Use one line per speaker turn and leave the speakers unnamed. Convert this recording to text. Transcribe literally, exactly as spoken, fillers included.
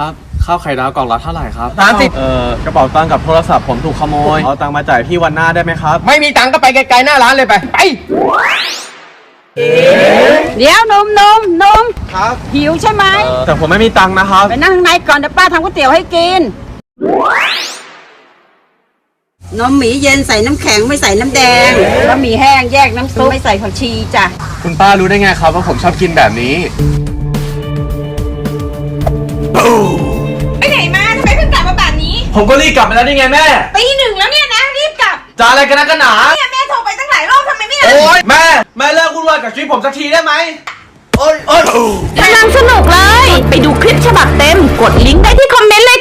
ครับข้าวไข่ดาวกล่องละเท่าไหร่ครับ
สามสิบ
เอ่อกระเป๋าตังค์กับโทรศัพท์ผมถูกขโมยเอาตังค์มาจ่ายพี่วันหน้าได้ไหมครับ
ไม่มีตังค์ก็ไปไกลๆหน้าร้านเลยไปไป
เดี๋ยวนมนมนม
ครับ
หิวใช่ไหม
แต่ผมไม่มีตังค์นะครับ
ไปนั่งข้างในก่อนเดี๋ยวป้าทำก๋วยเตี๋ยวให้กิน นมหมีเย็นใส่น้ำแข็งไม่ใส่น้ำแดงบะหมี่แห้งแยกน้ำซุปไม่ใส่ผักชีจ้ะ
คุณป้ารู้ได้ไงครับว่าผมชอบกินแบบนี้
ไปไหนมาทำไมเพิ่งกลับมาแบบนี้
ผมก็รีบกลับมาแล้วนี่ไงแม่
ตีหนึ่งแล้วเนี่ยนะรีบกลับ
จะอะไรกันนะกันหนา
เนี่ยแม่โทรไปตั้งหลายรอบทำไมไม่รับ
โอ๊ยแม่แม่เลิกวุ่นวายกับชีวิตผมสักทีได้ไหมโอ๊ยโอ๊ย
กำลังสนุกเลย ไปดูคลิปฉบับเต็ม กดลิงก์ได้ที่คอมเมนต์เลย